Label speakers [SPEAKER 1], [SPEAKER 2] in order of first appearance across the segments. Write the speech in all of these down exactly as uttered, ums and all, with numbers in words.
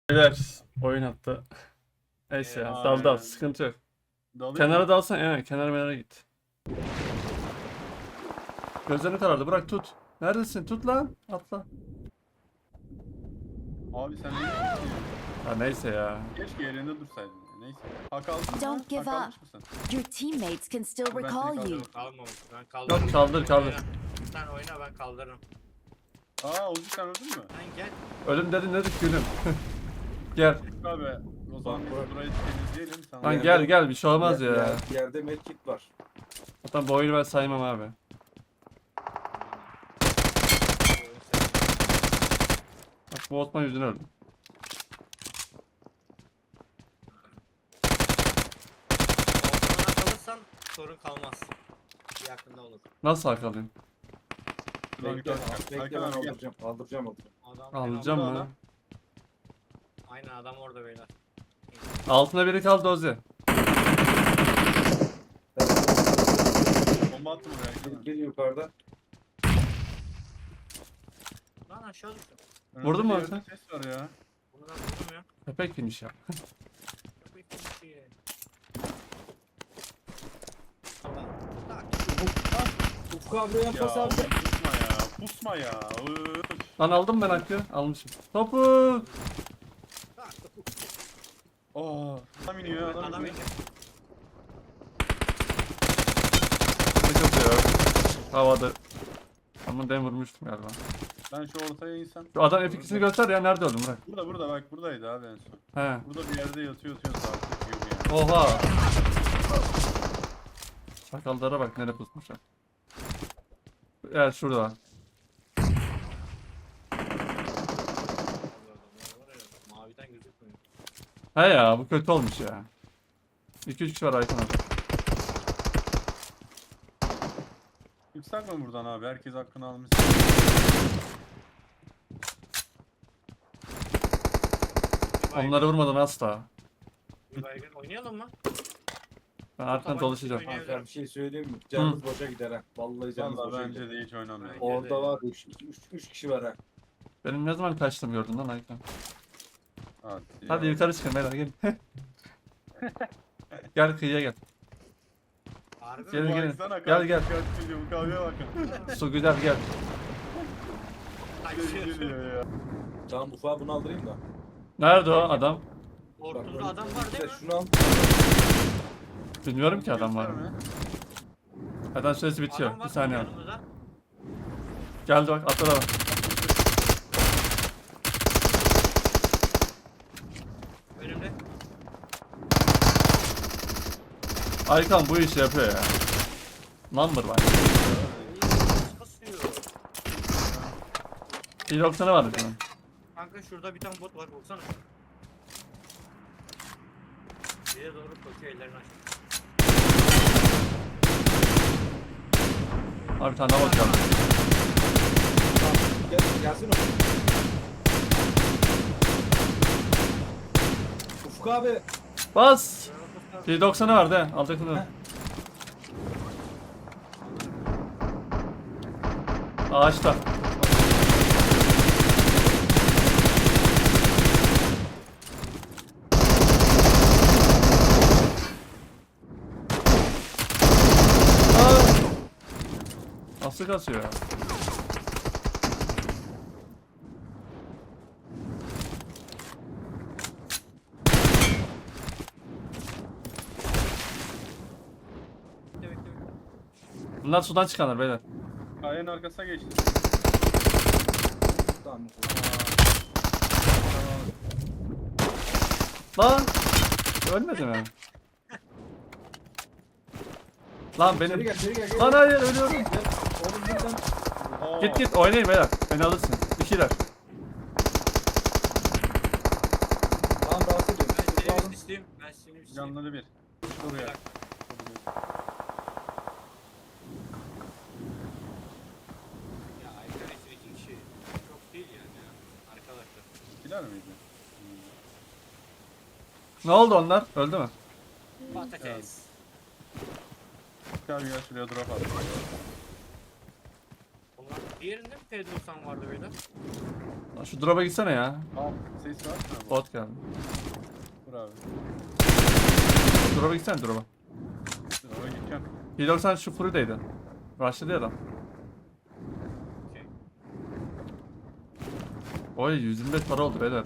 [SPEAKER 1] Beyler oyun attı. Neyse ya
[SPEAKER 2] Ee,
[SPEAKER 1] dal dal
[SPEAKER 2] aynen.
[SPEAKER 1] sıkıntı yok.
[SPEAKER 2] Dalıyor
[SPEAKER 1] Kenara
[SPEAKER 2] mu?
[SPEAKER 1] dalsan evet kenara menara git. Gözlerini karardı bırak tut. Neredesin tut lan atla.
[SPEAKER 2] Abi sen ne diyorsun?
[SPEAKER 1] Ha neyse ya.
[SPEAKER 2] Keşke yerinde dursaydın. ya. Neyse. Hak aldın mı?
[SPEAKER 3] Don't give
[SPEAKER 2] Hak almış
[SPEAKER 3] up.
[SPEAKER 2] mısın?
[SPEAKER 3] Your teammates can still
[SPEAKER 2] Ben seni
[SPEAKER 3] recall you.
[SPEAKER 2] kaldırırım.
[SPEAKER 4] Kalmamış. Ben kaldırırım.
[SPEAKER 1] Yok kaldır
[SPEAKER 4] Sen
[SPEAKER 1] kaldır.
[SPEAKER 4] oyna. Sen oyna ben kaldırırım.
[SPEAKER 2] Aa Oğuz sen öldün mü?
[SPEAKER 4] Sen gel.
[SPEAKER 1] Ölüm dedin dedik gülüm. Gel.
[SPEAKER 2] Abi o zaman biz burayı temizleyelim. Sana
[SPEAKER 1] Lan
[SPEAKER 5] Yani-
[SPEAKER 1] gel gel bir şey olmaz
[SPEAKER 5] Yer-
[SPEAKER 1] ya.
[SPEAKER 5] yer- Yerde medkit var.
[SPEAKER 1] Zaten bu oyunu ben saymam abi. Bak bu Osman yüzünden öldüm.
[SPEAKER 4] Ortamına kalırsan sorun kalmaz. Bir yakında olur.
[SPEAKER 1] Nasıl akalayım?
[SPEAKER 2] Şuradan
[SPEAKER 5] Bekle,
[SPEAKER 2] yukarı çık.
[SPEAKER 5] bekle ben
[SPEAKER 2] Hakan abi gel.
[SPEAKER 5] aldıracağım. Aldıracağım onu.
[SPEAKER 4] Adam
[SPEAKER 1] Alacağım
[SPEAKER 2] burada
[SPEAKER 1] mı?
[SPEAKER 2] adam.
[SPEAKER 4] Aynen adam orada beyler.
[SPEAKER 1] Altına biri kaldı Ozi.
[SPEAKER 2] Bomba attım oraya.
[SPEAKER 5] Bir,
[SPEAKER 2] Hakan.
[SPEAKER 5] bir yukarıda.
[SPEAKER 4] Lan aşağı düştüm.
[SPEAKER 2] Önümde
[SPEAKER 1] Vurdun mu
[SPEAKER 2] bir
[SPEAKER 1] Hakan?
[SPEAKER 2] yerde Ses var ya.
[SPEAKER 4] Bunu ben vurdum ya.
[SPEAKER 1] Köpek yemiş ya.
[SPEAKER 4] Köpek gibi bir şey. Allah. Tak.
[SPEAKER 5] Ufku abi yan
[SPEAKER 2] Ya
[SPEAKER 5] pas abi.
[SPEAKER 2] pusma ya. Pusma ya. Üf.
[SPEAKER 1] Lan aldım ben hakkı. Almışım. Topu.
[SPEAKER 4] Tak.
[SPEAKER 2] Aa, adam iniyor adam,
[SPEAKER 4] Adam
[SPEAKER 2] iniyor.
[SPEAKER 4] indi.
[SPEAKER 1] Sıkıntı yok. Havada. Ama ben vurmuştum galiba.
[SPEAKER 2] Ben şu ortaya insem.
[SPEAKER 1] Şu adam F ikisini göster ya nerede öldüm bırak.
[SPEAKER 2] Burada burada bak buradaydı abi en son.
[SPEAKER 1] He.
[SPEAKER 2] Burada bir yerde yatıyor yatıyor sağ gibi yani.
[SPEAKER 1] Oha. Sakallara bak nereye pusmuşlar. Evet şurada var.
[SPEAKER 4] Maviden gözükmüyor.
[SPEAKER 1] He ya bu kötü olmuş ya. iki üç kişi var Aykan abi.
[SPEAKER 2] Çıksak mı buradan abi? Herkes hakkını almış.
[SPEAKER 4] Bir baygın-
[SPEAKER 1] Onları vurmadan asla.
[SPEAKER 4] Bir baygın oynayalım mı?
[SPEAKER 1] Ben arkadan dolaşacağım.
[SPEAKER 4] Oynayalım.
[SPEAKER 5] Kanka bir şey söyleyeyim mi? Canımız boşa gider ha. Vallahi canımız
[SPEAKER 2] Valla
[SPEAKER 5] boşa
[SPEAKER 2] bence
[SPEAKER 5] gider.
[SPEAKER 2] de hiç oynamıyor.
[SPEAKER 4] Aynen.
[SPEAKER 5] Orada var üç, üç, üç kişi var ha.
[SPEAKER 1] Benim ne zaman kaçtım gördün lan Aykan.
[SPEAKER 2] Hadi,
[SPEAKER 1] Hadi
[SPEAKER 2] ya.
[SPEAKER 1] yukarı çıkın beyler gelin. Gel kıyıya gel.
[SPEAKER 4] Harbi
[SPEAKER 1] Gelin,
[SPEAKER 4] mi?
[SPEAKER 1] gelin.
[SPEAKER 2] Baksana,
[SPEAKER 1] Gel, gel.
[SPEAKER 2] kaç geliyor, bu kahveye bakın.
[SPEAKER 1] Su güzel gel.
[SPEAKER 4] Kaçıyor.
[SPEAKER 2] Geliyor ya.
[SPEAKER 5] Tamam Ufuk'a bunu aldırayım da.
[SPEAKER 1] Nerede o adam?
[SPEAKER 4] Ortada adam var değil mi?
[SPEAKER 5] Şunu al.
[SPEAKER 1] Bilmiyorum ki adam var mı.
[SPEAKER 2] Gösterme.
[SPEAKER 1] Adam süresi bitiyor.
[SPEAKER 4] Adam var
[SPEAKER 1] Bir saniye var.
[SPEAKER 4] yanımızda.
[SPEAKER 1] Geldi bak atladı bak.
[SPEAKER 4] Önümde.
[SPEAKER 1] Aykan bu işi yapıyor ya. Number var.
[SPEAKER 4] Nasıl kasıyor?
[SPEAKER 1] Bir doksanı vardı bunun.
[SPEAKER 4] Kanka şurada bir tane bot var baksana. Bize doğru koşuyor ellerini aç.
[SPEAKER 1] Abi bir tane daha bot geldi.
[SPEAKER 5] Gel, gelsin o. Ufuk abi.
[SPEAKER 1] Bas. Bir doksanı vardı he. Altakını. Ağaçta. Aa! Nasıl kasıyor ya?
[SPEAKER 4] Bekle bekle bekle.
[SPEAKER 1] Bunlar sudan çıkanlar beyler.
[SPEAKER 2] Kayanın arkasına geçti.
[SPEAKER 5] Tamam.
[SPEAKER 1] Lan! Ölmedi mi? Lan
[SPEAKER 5] İçeri
[SPEAKER 1] benim...
[SPEAKER 5] gel, içeri gel. gel.
[SPEAKER 1] Lan hayır ölüyorum.
[SPEAKER 5] Gel. Oğlum buradan.
[SPEAKER 2] Aa,
[SPEAKER 1] Git git oynayın beyler. Beni alırsın. İkiler.
[SPEAKER 5] Tamam rahatsız ediyorum.
[SPEAKER 4] Ben
[SPEAKER 5] Ufuk'u
[SPEAKER 4] seni
[SPEAKER 5] alın.
[SPEAKER 4] bir isteyeyim. Ben seni bir isteyeyim.
[SPEAKER 2] Canları bir. Oraya.
[SPEAKER 4] Ya arkadaşlar iki kişi. Çok değil yani ya. Arkadaşlar.
[SPEAKER 2] Gider miydi?
[SPEAKER 1] Ne oldu onlar? Öldü mü?
[SPEAKER 4] Patates.
[SPEAKER 2] Gel gel şuraya drop at.
[SPEAKER 4] Onlar diğerinde mi P doksan vardı beyler?
[SPEAKER 1] Şu drop'a gitsene ya.
[SPEAKER 2] Al ses var mı?
[SPEAKER 1] Bot geldi.
[SPEAKER 2] Dur abi.
[SPEAKER 1] Drop'a gitsene drop'a.
[SPEAKER 2] Dur oraya gideceğim.
[SPEAKER 1] P doksan şu Fury'deydi. Rush'ladı ya adam.
[SPEAKER 4] Okey.
[SPEAKER 1] Oy yüz yirmi beş para oldu beyler.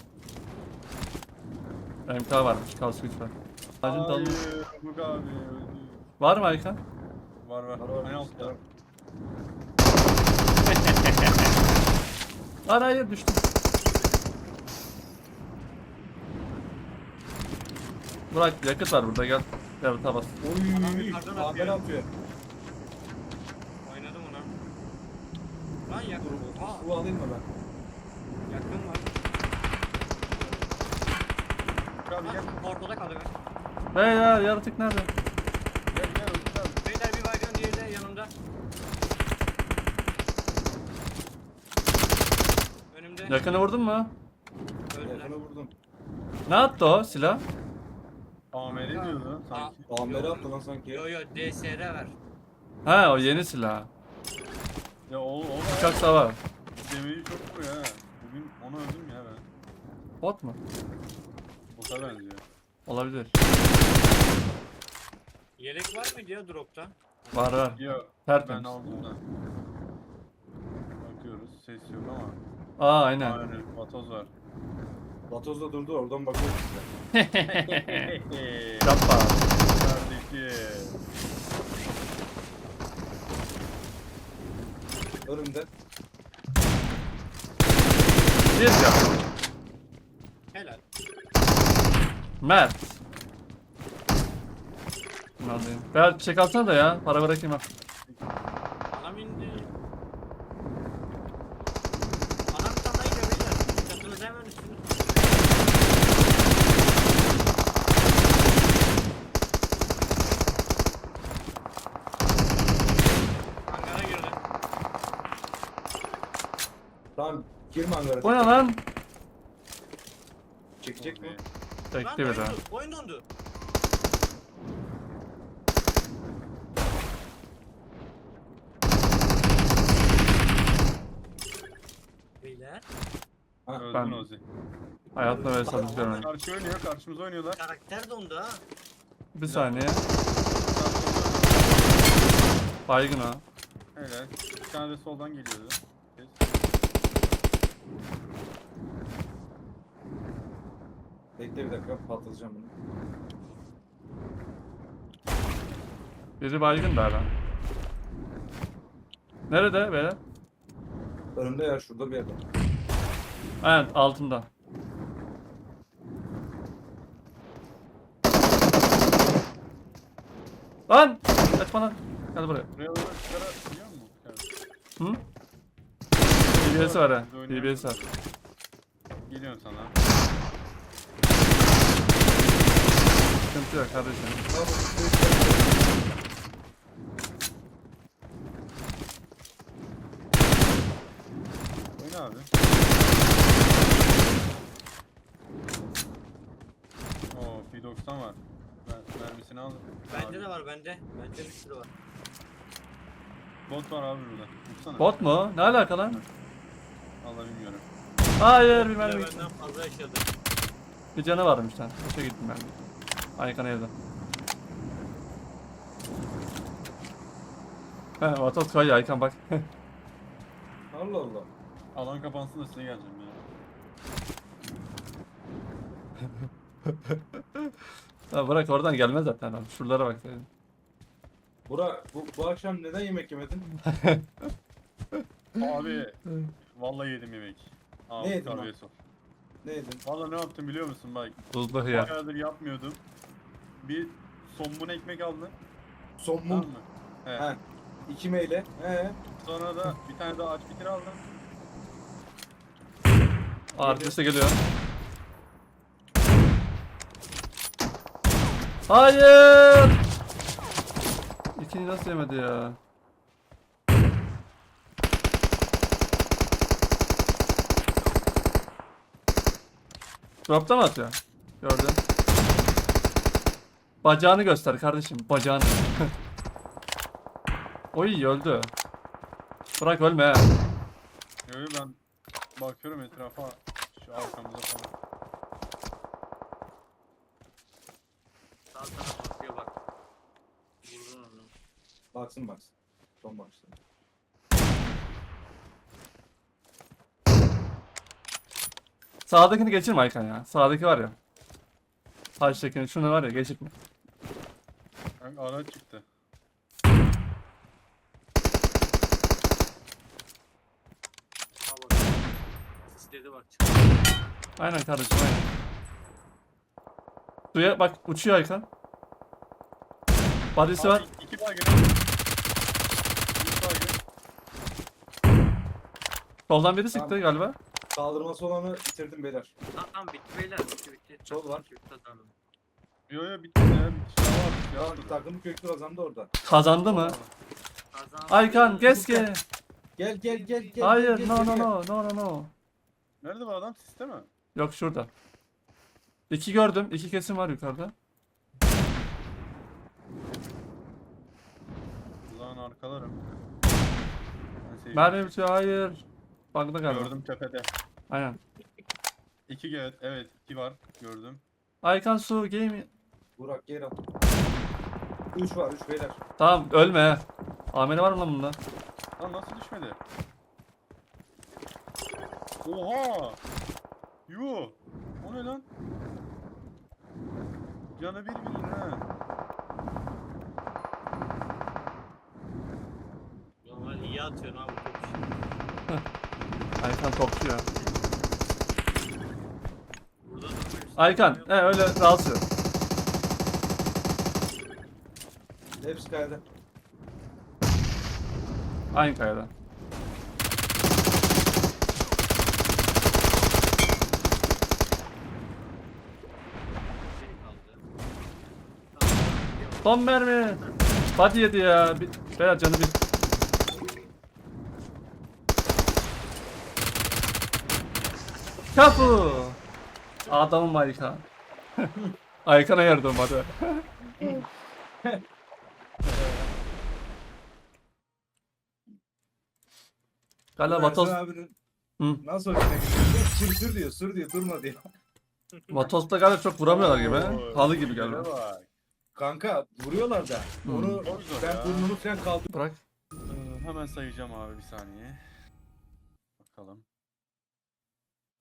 [SPEAKER 1] M K varmış, kaos güç var. Ağacın dalını.
[SPEAKER 2] Hayır. Bug abi öldü.
[SPEAKER 1] Var mı Aykan?
[SPEAKER 2] Var var.
[SPEAKER 5] Var, var.
[SPEAKER 2] En altta.
[SPEAKER 1] Lan hayır düştüm. Burak yakıt var burada gel. Gel bas.
[SPEAKER 4] Adam
[SPEAKER 5] Oy.
[SPEAKER 4] yukarıdan
[SPEAKER 5] Haber
[SPEAKER 4] atıyor.
[SPEAKER 5] atıyor.
[SPEAKER 4] Oynadım ona. Lan yakın. Aa,
[SPEAKER 5] Bu alayım mı ben?
[SPEAKER 4] yakın var.
[SPEAKER 2] Bug abi gel.
[SPEAKER 4] Lan ortada kaldı be.
[SPEAKER 1] Beyler yaratık nerede?
[SPEAKER 2] Gel gel Bug abi.
[SPEAKER 4] Beyler bir baygın, diğeri de yanımda. Önümde.
[SPEAKER 1] Yakını vurdun mu?
[SPEAKER 4] Öldüler.
[SPEAKER 5] Yakına vurdum.
[SPEAKER 1] Ne attı o silah?
[SPEAKER 2] A M R diyordu sanki.
[SPEAKER 5] Amere attı lan sanki.
[SPEAKER 4] Yo yo D S R ver.
[SPEAKER 1] Ha o yeni silah.
[SPEAKER 2] Ya o o
[SPEAKER 1] Uçak
[SPEAKER 2] da
[SPEAKER 1] savar.
[SPEAKER 2] demeyi çok vuruyor ha. Bugün onu öldüm ya ben.
[SPEAKER 1] Bot mu?
[SPEAKER 2] Bota benziyor.
[SPEAKER 1] Olabilir.
[SPEAKER 4] Yelek var mıydı ya dropta?
[SPEAKER 1] Var var.
[SPEAKER 2] Yok
[SPEAKER 1] Tertemiz.
[SPEAKER 2] ben aldım da. Bakıyoruz ses yok ama.
[SPEAKER 1] Aa aynen.
[SPEAKER 2] Aynen vatoz var.
[SPEAKER 5] Vatoz da durdu oradan bakıyoruz size.
[SPEAKER 1] Yapma.
[SPEAKER 2] Kardeşim.
[SPEAKER 5] Önümde.
[SPEAKER 1] Bir yap.
[SPEAKER 4] Helal.
[SPEAKER 1] Mert. Bunu alayım. Ben çek alsana da ya. Para bırakayım ha.
[SPEAKER 4] Anam indi. Anam bir tane daha iniyor beyler. Çatınız hemen üstünüz. Hangara girdi.
[SPEAKER 5] Tamam girme hangara.
[SPEAKER 1] O ne lan?
[SPEAKER 5] Çekecek mi?
[SPEAKER 4] Lan
[SPEAKER 1] Çekti bir
[SPEAKER 4] oyun,
[SPEAKER 1] daha.
[SPEAKER 4] dondu, oyun dondu. Beyler.
[SPEAKER 5] Ha,
[SPEAKER 2] Öldün
[SPEAKER 1] Ben-
[SPEAKER 2] Ozi.
[SPEAKER 1] Hayatımda böyle satış görmedim.
[SPEAKER 2] Karşı oynuyor, karşımıza oynuyorlar.
[SPEAKER 4] Karakter dondu ha.
[SPEAKER 1] Bir saniye. Baygın ha.
[SPEAKER 2] Helal. Bir tane de soldan geliyordu. Ses.
[SPEAKER 5] bekle bir dakika patlatacağım bunu.
[SPEAKER 1] Biri baygın da hala. Nerede böyle?
[SPEAKER 5] Önümde ya şurada bir yerde.
[SPEAKER 1] Aynen altında. Lan! Kaçma lan. Hadi buraya.
[SPEAKER 2] Buraya doğru çıkara biliyor musun?
[SPEAKER 1] Hı? D B S var ha. D B S var.
[SPEAKER 2] Geliyorum sana.
[SPEAKER 1] Sıkıntı yok kardeşim.
[SPEAKER 2] Oyna abi. Oo P doksan var. Ben mermisini aldım.
[SPEAKER 4] Bende
[SPEAKER 2] Abi.
[SPEAKER 4] de var bende. Bende bir sürü var.
[SPEAKER 2] Bot var abi burada. Vursana.
[SPEAKER 1] Bot mu? Ne alaka lan?
[SPEAKER 2] Vallahi bilmiyorum.
[SPEAKER 1] Hayır bir
[SPEAKER 4] Bir de
[SPEAKER 1] mermi gitti.
[SPEAKER 4] benden fazla yaşadı.
[SPEAKER 1] Bir canı varmış lan. Boşa gittim ben. Aykan evde. He Vatos kayıyor Aykan bak.
[SPEAKER 5] Allah Allah.
[SPEAKER 2] Alan kapansın da size geleceğim ya.
[SPEAKER 1] Ha, bırak oradan gelmez zaten abi. Şuralara bak senin.
[SPEAKER 5] Burak bu, bu akşam neden yemek yemedin?
[SPEAKER 2] Abi vallahi yedim yemek. Aa,
[SPEAKER 5] Ne yedin lan?
[SPEAKER 2] kahve sok.
[SPEAKER 5] Ne yedin?
[SPEAKER 2] Vallahi ne yaptım biliyor musun bak.
[SPEAKER 1] Buzlu hıyar.
[SPEAKER 2] Bayağıdır yapmıyordum. Bir somun ekmek aldım. Tamam
[SPEAKER 5] Sommun.
[SPEAKER 2] mı? He.
[SPEAKER 5] He. İki meyle. He.
[SPEAKER 2] Sonra da bir tane daha aç bitir aldım.
[SPEAKER 1] Arkadaşı geliyor. Hayır! İkinci nasıl yemedi ya? Drop'ta mı atıyor? Gördüm. Bacağını göster kardeşim, bacağını. Oy öldü. Bırak ölme ha.
[SPEAKER 2] Yo yo ben Bakıyorum etrafa. Şu arkamıza falan.
[SPEAKER 4] Sağ tarafa bakıyor bak. Vurdun onu.
[SPEAKER 5] Baksın baksın. Son baksın.
[SPEAKER 1] Sağdakini geçirme Aykan ya. Sağdaki var ya. Taştakini şunu var ya geçirme.
[SPEAKER 2] Kanka araç çıktı.
[SPEAKER 4] Ha bak. Sisledi bak.
[SPEAKER 1] Aynen kardeşim aynen. Suya bak uçuyor Aykan. Badisi var.
[SPEAKER 2] Abi, iki baygın. İki baygın.
[SPEAKER 1] Soldan biri sıktı
[SPEAKER 5] Tamam.
[SPEAKER 1] galiba.
[SPEAKER 5] Kaldırması olanı bitirdim beyler.
[SPEAKER 4] Tamam tamam bitti beyler. Bitti bitti.
[SPEAKER 5] Sol var.
[SPEAKER 4] Bitti, kazandım.
[SPEAKER 2] Yo yo bitti ya. Bitti. Şuna bak. Ya,
[SPEAKER 5] Tamam, takımı köklü kazandı orada.
[SPEAKER 1] Kazandı mı?
[SPEAKER 4] Kazandım.
[SPEAKER 1] Aykan keşke.
[SPEAKER 5] Gel gel gel gel.
[SPEAKER 1] Hayır
[SPEAKER 5] gel,
[SPEAKER 1] no
[SPEAKER 5] gel,
[SPEAKER 1] no
[SPEAKER 5] gel.
[SPEAKER 1] no no no no.
[SPEAKER 2] Nerede bu adam? Siste mi?
[SPEAKER 1] Yok şurada. İki gördüm. İki kesim var yukarıda.
[SPEAKER 2] Ulan arkalarım. Ben sevdim.
[SPEAKER 1] Mermi bitiyor hayır. Bug'da galiba.
[SPEAKER 2] Gördüm tepede.
[SPEAKER 1] Aynen.
[SPEAKER 2] İki evet, evet iki var. Gördüm.
[SPEAKER 1] Aykan su game.
[SPEAKER 5] Burak gel al. Üç var üç beyler.
[SPEAKER 1] Tamam ölme he. Ameli var mı lan bunda?
[SPEAKER 2] Lan nasıl düşmedi? Oha! Yuh! O ne lan? Canı bir bilir ha.
[SPEAKER 4] Normal iyi atıyorsun abi top işi.
[SPEAKER 1] Aykan topçu ya.
[SPEAKER 4] Burada durmuyorsun.
[SPEAKER 1] Aykan he öyle rahatsız.
[SPEAKER 5] Hepsi kayada.
[SPEAKER 1] Aynı kayada.
[SPEAKER 4] Şey kaldı. Tamam, yok.
[SPEAKER 1] Son mermi. Body yedi ya. Bir, beyler canı bir. Kapı. Adamım Aykan. Aykan'a yardım hadi. Galiba
[SPEAKER 5] Ersin
[SPEAKER 1] Vatos,
[SPEAKER 5] abinin
[SPEAKER 1] Hı.
[SPEAKER 5] nasıl hoşuna gidiyor? Sür sür diyor sür diyor durma diyor.
[SPEAKER 1] Vatos'ta galiba çok vuramıyorlar gibi.
[SPEAKER 2] Oo,
[SPEAKER 1] Halı gibi
[SPEAKER 2] hileye
[SPEAKER 1] galiba.
[SPEAKER 2] bak.
[SPEAKER 5] Kanka vuruyorlar da.
[SPEAKER 1] Hmm.
[SPEAKER 5] Onu
[SPEAKER 2] Çok zor
[SPEAKER 5] ben
[SPEAKER 2] ya.
[SPEAKER 5] burnunu falan kaldır.
[SPEAKER 1] Bırak.
[SPEAKER 2] Ee, hemen sayacağım abi bir saniye. Bakalım.